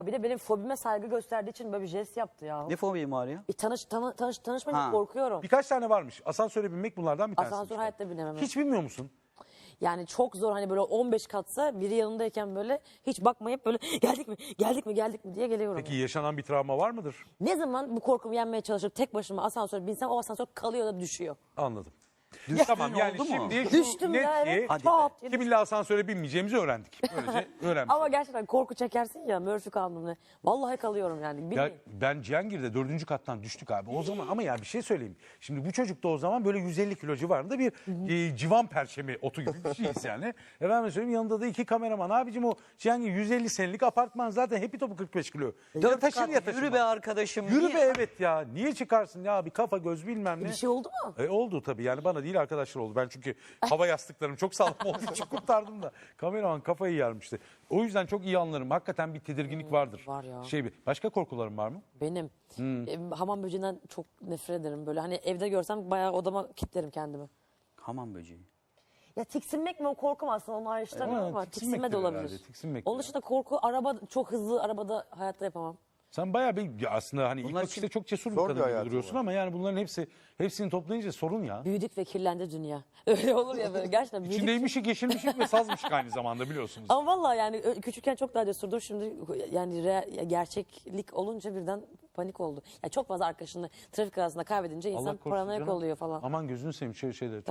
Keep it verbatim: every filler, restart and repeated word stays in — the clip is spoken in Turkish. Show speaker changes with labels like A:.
A: Bir de benim fobime saygı gösterdiği için böyle bir jest yaptı ya.
B: Ne fobim var ya?
A: E, tanış, tanı, tanış, tanışmayınca
B: Ha.
A: korkuyorum.
C: Birkaç tane varmış. Asansöre binmek bunlardan bir tanesi.
A: Asansör hayatta binemem.
C: Hiç bilmiyor musun?
A: Yani çok zor, hani böyle on beş katsa biri yanındayken böyle hiç bakmayıp böyle geldik mi geldik mi geldik mi diye geliyorum.
C: Peki yaşanan bir travma var mıdır?
A: Ne zaman bu korkumu yenmeye çalışıp tek başıma asansöre binsem o asansör kalıyor da düşüyor.
C: Anladım.
B: Düştüğün
C: Tamam yani
B: oldu mu?
C: şimdi şu
A: Düştüm
C: net
A: ya,
C: ki
A: evet.
B: Hadi
A: Çat diye
C: kiminle asansöre binmeyeceğimizi öğrendik. Böylece öğrenmiş.
A: Ama gerçekten korku çekersin ya, Murphy kanunu. Vallahi kalıyorum yani.
C: Ya
A: Bilmiyorum.
C: ben Cihangir'de dördüncü kattan düştük abi. O zaman ama ya bir şey söyleyeyim. Şimdi bu çocuk da o zaman böyle yüz elli kilo civarında bir e, civan perçemi otu gibi bir şeyiz yani. Efendim söyleyeyim, yanında da iki kameraman. Abicim o Cihangir yüz elli senelik apartman zaten hepi topu kırk beş kilo. Ya
B: Dört
C: taşır
B: kat,
C: ya taşır.
B: yürü be arkadaşım.
C: Yürü
B: niye?
C: be evet ya. Niye çıkarsın ya, bir kafa göz bilmem ne.
A: Bir şey oldu mu?
C: E, oldu tabii, yani bana değil arkadaşlar oldu. Ben çünkü hava yastıklarım çok sağlam olduğu için kurtardım da. Kameraman kafayı yarmıştı. O yüzden çok iyi anlarım. Hakikaten bir tedirginlik vardır.
A: var ya.
C: Şey, bir- başka korkularım var mı?
A: Benim. E, hamam böceğinden çok nefret ederim. Böyle hani evde görsem bayağı odama kilitlerim kendimi.
B: Hamam böceği.
A: Ya tiksinmek mi o korkum, aslında onu ayrıştıramıyorum
C: Evet,
A: ama
C: tiksinmek
A: tiksinme de
C: de
A: olabilir.
C: herhalde, tiksinmek
A: Onun
C: de.
A: dışında korku, araba çok hızlı arabada hayatta yapamam.
C: Sen bayağı bir ya aslında hani ilk
B: Bunlar
C: bakışta
B: için
C: çok cesur bir
D: zor bir
C: kadın gibi
D: hayatın
C: duruyorsun
D: var.
C: ama yani bunların hepsi hepsini toplayınca sorun ya.
A: Büyüdük ve kirlendi dünya. Öyle olur ya böyle, gerçekten büyüdük.
C: İçindeymişik, yeşilmişik ve sazmışık aynı zamanda, biliyorsunuz.
A: Ama vallahi yani ö- küçükken çok daha cesurdur. Şimdi yani re- gerçeklik olunca birden panik oldu. Yani çok fazla arkadaşını trafik arasında kaybedince insan
C: Allah korusun
A: paranoyak
C: canım.
A: oluyor falan.
C: Aman gözünü seveyim şöyle şeyleri.